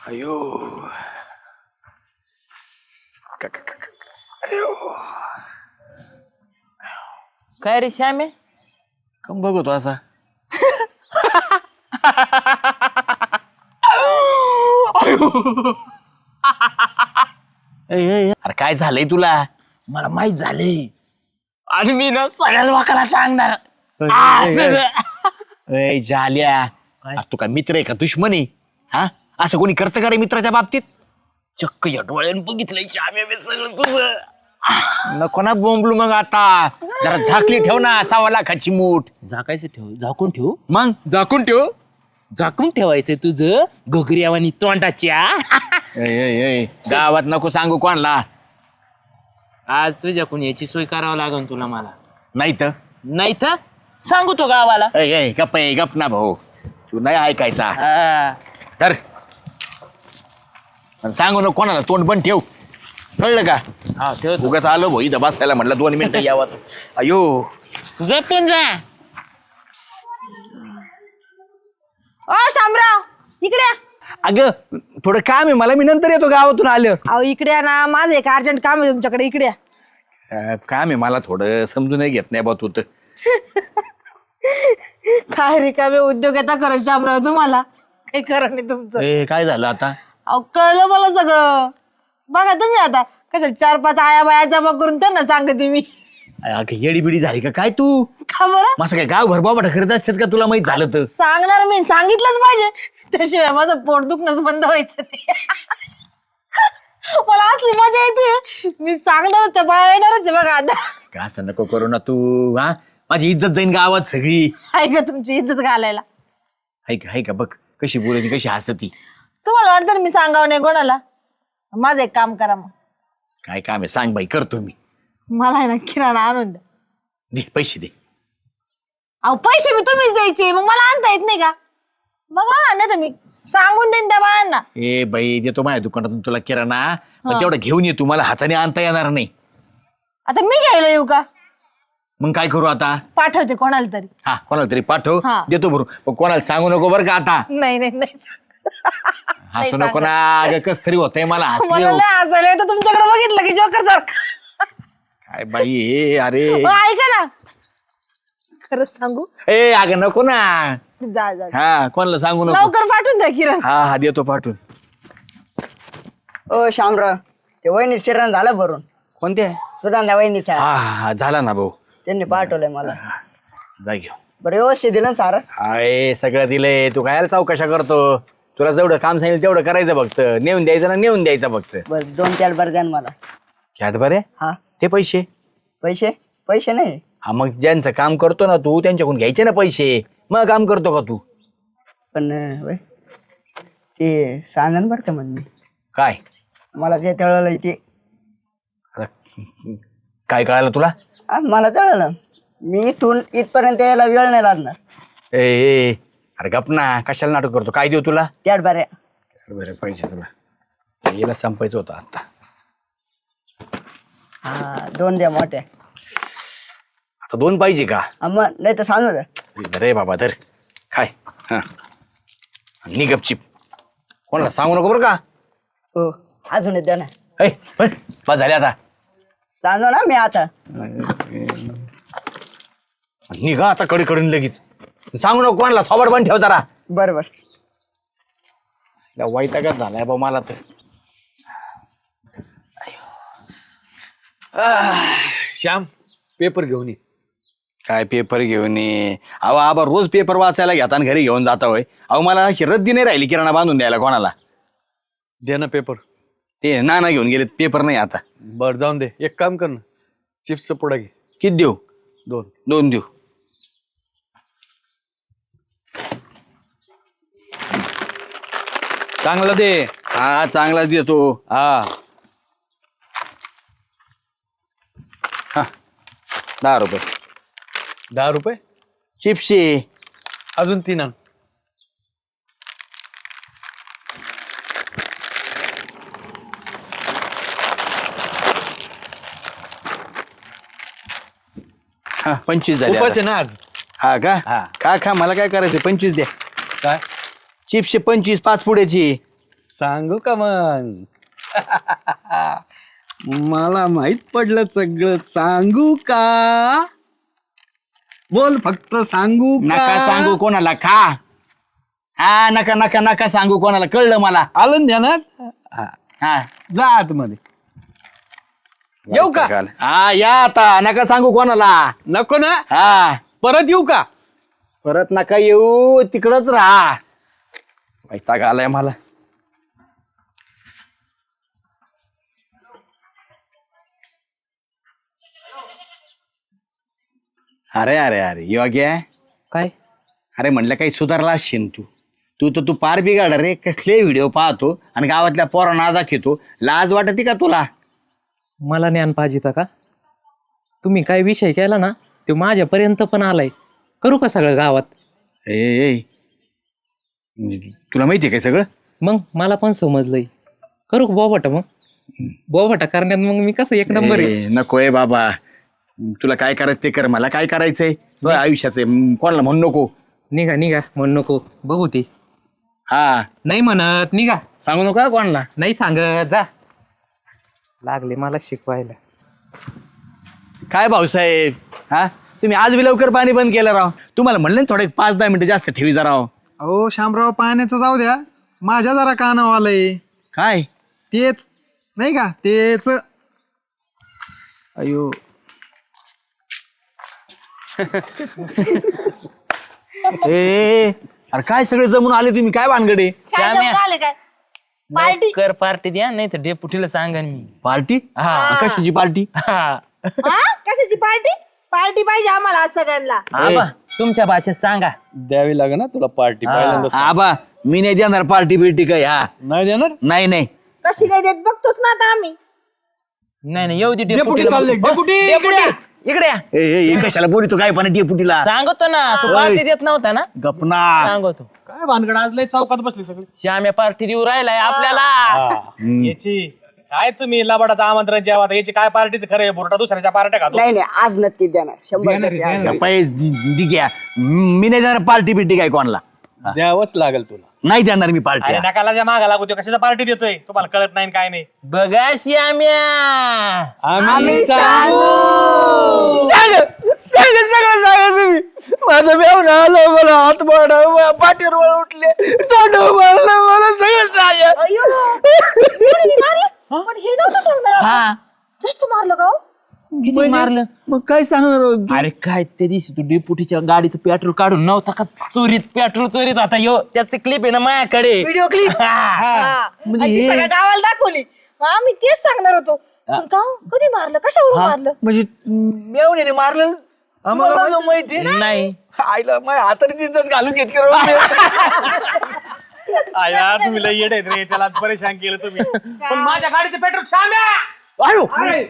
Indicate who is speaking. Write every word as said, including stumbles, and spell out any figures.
Speaker 1: अयो क- क- क- क- अयो
Speaker 2: काय रे श्यामे
Speaker 1: कम बघतो असा ए, ए, अरे काय झालंय तुला?
Speaker 2: मला माहित झाले आणि मी ना सगळ्या लोकांना सांगणार
Speaker 1: ए,
Speaker 2: आ,
Speaker 1: ए,
Speaker 2: तुझं.
Speaker 1: ए, झाल्या अरे तू काय मित्र आहे का दुश्मन आहे? हा असं कोणी करतं का रे मित्राच्या बाबतीत?
Speaker 2: चक्क या डोळ्यानं बघितलंय श्यामे मी सगळं तुझं.
Speaker 1: नको ना बोंबलू मग आता जरा झाकली ठेव ना सव्वा लाखाची मूठ.
Speaker 2: झाकायचं ठेव झाकून ठेव
Speaker 1: मग
Speaker 2: झाकून ठेव झाकून ठेवायचं तुझं घोगऱ्यावानी तोंडाच्या.
Speaker 1: ए, ए, ए, गावात नको सांगू कोणला
Speaker 2: आज तुझ्याकडून याची सोय करावं लागेल तुला मला.
Speaker 1: नाही तर
Speaker 2: नाही तर सांगू तो गावाला.
Speaker 1: ए, ए, गप आहे गप ना भाऊ तू नाही ऐकायचा
Speaker 2: हा.
Speaker 1: तर आणि सांगू नको कोणाला तोंड पण ठेव कळलं का?
Speaker 2: हा ठेव
Speaker 1: उगाच आलो भाऊ इथं बसायला म्हटलं दोन मिनिटं यावं. अयो
Speaker 2: जपून जा.
Speaker 3: ओ शामराव इकडे या.
Speaker 1: अगं थोडं काम आहे मला मी नंतर येतो गावातून आलं.
Speaker 3: अहो इकडे या ना माझं एक अर्जंट काम आहे तुमच्याकडे इकडे या.
Speaker 1: अं, काम आहे मला थोडं समजून नाही घेत नाही बा तू तर.
Speaker 3: काय रिकामे उद्योग येता करत शामराव तुम्हाला काही करा नाही तुमचं.
Speaker 1: ए काय झालं आता?
Speaker 3: अहो कळलं मला सगळं. बघा तुम्ही आता कशा चार पाच आया बाया जमा करून त्यांना सांगते मी.
Speaker 1: अगं येडी बिडी झाली का काय तू?
Speaker 3: का बरं
Speaker 1: असं काय गाव भरबाबा करत असतात का तुला माहित झालं तर?
Speaker 3: सांगणार मी सांगितलंच पाहिजे त्याशिवाय माझं पोट दुखणंच बंद व्हायचं नाही. मला असली मजा येते मी सांगणारच त्या बाया येणारच आहे बघा आता.
Speaker 1: का असं नको करू ना तू हा माझी इज्जत जाईन गावात सगळी.
Speaker 3: आहे का तुमची इज्जत घालायला.
Speaker 1: हाय का हाय का बघ कशी बोलती कशी हसती.
Speaker 3: तुम्हाला वाटतं ना मी सांगावं नाही कोणाला. माझं एक काम करा मग
Speaker 1: काय काम आहे सांग बाई करतो मी.
Speaker 3: मला आहे ना किराणा आणून द्या.
Speaker 1: दे पैसे दे.
Speaker 3: अहो पैसे मी तुम्हीच द्यायचे मग मला आणता येत नाही का? मग आणत मी सांगून देईन त्या बायांना.
Speaker 1: ए बाई देतो माझ्या दुकानातून तुला किराणा पण तेवढं घेऊन ये तू मला हाताने आणता येणार नाही.
Speaker 3: आता मी घ्यायला येऊ का?
Speaker 1: मग काय करू आता?
Speaker 3: पाठवते कोणाला तरी.
Speaker 1: हा कोणाला तरी पाठव
Speaker 3: हा.
Speaker 1: देतो भरू पण कोणाला सांगू नको बरं का आता.
Speaker 3: नाही नाही नाही
Speaker 1: हसू नको ना अगं कस तरी होतंय मला हसली
Speaker 3: मला
Speaker 1: हो.
Speaker 3: लय हसायला येतं तुमच्याकडे बघितलं की जोकर सारखं.
Speaker 1: काय बाई हे अरे
Speaker 3: हो, ऐका ना खरंच सांगू.
Speaker 1: ए अगं नको ना.
Speaker 3: जा जा
Speaker 1: हा कोणाला सांगू नको.
Speaker 3: लवकर पाठवून द्या किराणा.
Speaker 1: हा हा देतो पाठवून.
Speaker 4: ओ शामराव ते वहिनी किराणा झाला भरून.
Speaker 1: कोणते?
Speaker 4: सुगंधा वहिनीचा
Speaker 1: हा हा झाला ना भाऊ.
Speaker 4: त्यांनी पाठवलंय मला.
Speaker 1: जा घेऊ.
Speaker 4: बरं व्यवस्थित दिलं ना सारं.
Speaker 1: हाय सगळं दिलंय तू काय चौकशा करतो. तुला जेवढं काम सांगितलं तेवढं करायचं फक्त नेऊन द्यायचं ना नेऊन द्यायचं फक्त.
Speaker 4: बस दोन चार बार द्या ना मला.
Speaker 1: कॅट बरे
Speaker 4: हा
Speaker 1: ते पैसे.
Speaker 4: पैसे पैसे नाही.
Speaker 1: हा मग ज्यांचं काम करतो ना तू त्यांच्याकडून घ्यायचे ना पैसे. मग काम करतो का तू?
Speaker 4: पण अं, वय, ते सांगन बरं का म्हणजे
Speaker 1: काय
Speaker 4: मला ते तळलं ते.
Speaker 1: आता काय कळालं तुला?
Speaker 4: हा, मला तळलं. मी इथून इथपर्यंत यायला वेळ नाही लागणार.
Speaker 1: ए ए अरे गप ना कशाला नाटक करतो. काय देऊ तुला?
Speaker 4: त्यात बऱ्या
Speaker 1: बरे पैसे तुला याला संपायचं होतं आता.
Speaker 4: हा दोन द्या मोठ्या.
Speaker 1: आता दोन पाहिजे का?
Speaker 4: हा, मग नाही तर सांगू द्या.
Speaker 1: रे बाबा धर खाय हा नि गपचिप कोणाला सांगू नको बरं का?
Speaker 4: हो अजून एक द्या ना.
Speaker 1: ऐ पण बस झाले आता.
Speaker 4: सांगू ना मी आता.
Speaker 1: निघा आता कडे कडून लगेच सांगू नको कोणाला. सोबत पण ठेव जरा.
Speaker 4: बरं बरं.
Speaker 1: वैतागच झालाय बा मला तर. आह,
Speaker 5: श्याम पेपर घेऊन ये.
Speaker 1: काय पेपर घेऊन ये? अहो आबा रोज पेपर वाचायला घेता आणि घरी घेऊन जाता होय. अहो मला अशी रद्दी नाही राहिली किराणा बांधून द्यायला कोणाला.
Speaker 5: दे ना पेपर.
Speaker 1: ते नाना घेऊन गेले पेपर नाही आता.
Speaker 5: बर जाऊन दे. एक काम कर ना चिप्सचा पुडा घे.
Speaker 1: किती देऊ?
Speaker 5: दोन.
Speaker 1: दोन देऊ.
Speaker 5: चांगला दे.
Speaker 1: हा चांगला देतो.
Speaker 5: हा
Speaker 1: हा दहा रुपये
Speaker 5: दहा रुपये.
Speaker 1: चिप्सचे.
Speaker 5: अजून तीन आण.
Speaker 1: हा पंचवीस झाले
Speaker 5: उपास
Speaker 1: आता.
Speaker 5: आहे ना आज.
Speaker 1: हा का?
Speaker 5: हा.
Speaker 1: खा खा मला काय करायचं पंचवीस द्या.
Speaker 5: काय
Speaker 1: चिप्सचे पंचवीस पाच पुड्याची.
Speaker 5: सांगू का मग? मला माहित पडलं सगळं. सांगू का? बोल फक्त सांगू का?
Speaker 1: नका सांगू कोणाला खा. हा नका नका नका सांगू कोणाला, कळलं मला.
Speaker 5: आलं ना ध्यानात? हा,
Speaker 1: हा
Speaker 5: जा आतमध्ये. येऊ का?
Speaker 1: हा या आता, नका सांगू कोणाला.
Speaker 5: नको ना?
Speaker 1: हा
Speaker 5: परत येऊ का?
Speaker 1: परत नका येऊ, तिकडच राहा. वैताग आलाय मला. अरे अरे अरे योग्य
Speaker 2: काय
Speaker 1: अरे म्हणलं काही सुधारला असशील तू. तू तर तू पार बिघाड रे. कसले व्हिडिओ पाहतो आणि गावातल्या पोरांना दाखवतो. लाज वाटते का तुला?
Speaker 2: मला ज्ञान पाहिजे का? तुम्ही काय विषय केला ना ते माझ्यापर्यंत पण आलाय. करू का सगळं गावात?
Speaker 1: ए ए, म्हणजे तुला माहितीये काय सगळं?
Speaker 2: मग मला पण समजलंय. करू का बोबाटा? मग बोबाटा करण्यात मग मी कसं एक नंबर आहे.
Speaker 1: ए, नकोय बाबा. तुला काय करायचं ते कर. मला काय करायचंय तुझ्या आयुष्याचं आहे. कोणाला म्हणू नको.
Speaker 2: निघा निघा म्हणू नको. बघू ते.
Speaker 1: हा
Speaker 2: नाही म्हणत निघा.
Speaker 1: सांगू नको हा कोणाला.
Speaker 2: नाही सांगत जा. लागले मला शिकवायला.
Speaker 1: काय भाऊसाहेब हा तुम्ही आज बी लवकर पाणी बंद केलं राव. तुम्हाला म्हणलं ना थोडे पाच दहा मिनिटं जास्त ठेवी जा राव.
Speaker 6: अहो शामराव, पाण्याचं जाऊ द्या, माझ्या जरा कानावर आलंय.
Speaker 1: काय?
Speaker 6: तेच नाही का, तेच.
Speaker 1: अयो ए अरे काय सगळे जमून आले तुम्ही? काय भानगडे?
Speaker 3: काय जमून आले काय? पार्टी
Speaker 2: कर पार्टी द्या नाही तर डेपुटीला सांगन मी.
Speaker 1: पार्टी?
Speaker 2: हा.
Speaker 1: कशाची पार्टी?
Speaker 2: हा.
Speaker 3: हा कशाची पार्टी? पार्टी पाहिजे आम्हाला आज सगळ्यांना.
Speaker 2: आबा तुमच्या भाषेत सांगा.
Speaker 5: द्यावी लागेल ना तुला पार्टी. पहिल्यांदा
Speaker 1: आबा मी नाही देणार पार्टी बिर्टी काय. हा
Speaker 5: नाही देणार.
Speaker 1: नाही नाही
Speaker 3: कशी नाही देत बघतोच ना आता आम्ही.
Speaker 2: नाही नाही येऊ दे
Speaker 5: डेपुटी
Speaker 2: डेपुटीला.
Speaker 5: चालले.
Speaker 2: बस.
Speaker 5: डेपुटी,
Speaker 2: डेपुटी इकडे या.
Speaker 1: ए, ए, ए, कशाला बोलतो काय पण डेपुटीला?
Speaker 2: सांगतो ना तू पार्टी देत नव्हता ना.
Speaker 1: गपना.
Speaker 2: सांगतो.
Speaker 5: काय भानगड आज लय चौकात बसली सगळी.
Speaker 2: श्याम्या पार्टी देऊ राहिलाय आपल्याला.
Speaker 7: याची काय तुम्ही लबाडाचं आमंत्रण जेवा याची काय पार्टीचं खरं आहे? बुरटा दुसऱ्याच्या पार्ट्या खातो.
Speaker 4: नाही नाही आज नक्की देणार. शंभर टक्के आज.
Speaker 1: गप्पा, दि- दि- घ्या. मी नाही देणार पार्टी बिर्टी काय कोणाला.
Speaker 5: द्यावंच लागेल तुला.
Speaker 1: नाही देणार मी पार्टी.
Speaker 7: अरे नकाला ज्या मागा लागू तो कशाचा पार्टी देतोय तुम्हाला कळत नाही काय नाही.
Speaker 2: बघा श्याम्या.
Speaker 5: आम्ही सांगू.
Speaker 1: सांग सांग सगळं सांगा तुम्ही. माझं मेवणं आलं, मला हात मारला, पाठीवर मला उठले, तोंड मारलं, मला सगळं सांगा.
Speaker 3: अय्यो कोणी मारलं? पण हे नव्हतं सांगणार.
Speaker 2: हा
Speaker 3: जास्त मारलं का हो?
Speaker 2: किती मारलं?
Speaker 1: मग काय सांगणार हो तू?
Speaker 2: अरे काय त्या दिवशी तू डेपुटीच्या गाडीचं पेट्रोल काढून नव्हता का चोरीत? पेट्रोल चोरीत होता यो. त्याची क्लिप आहे ना माझ्याकडे.
Speaker 3: Video clip. म्हणजे ती सगळ्या गावाला दाखवली. मग आम्ही तेच सांगणार होतो. पण का हो? कधी मारलं? कशावरून मारलं?
Speaker 1: म्हणजे मेवण्याने मारलं आम्हाला नव्हतं माहिती.
Speaker 2: नाही
Speaker 1: आईला माझ्या हाताने तिथंच घालून घेत कर.
Speaker 7: आया तुम्ही लय येडे आहेत रे, त्याला परेशान केलं तुम्ही. पण माझ्या गाडीचं पेट्रोल छान आहे.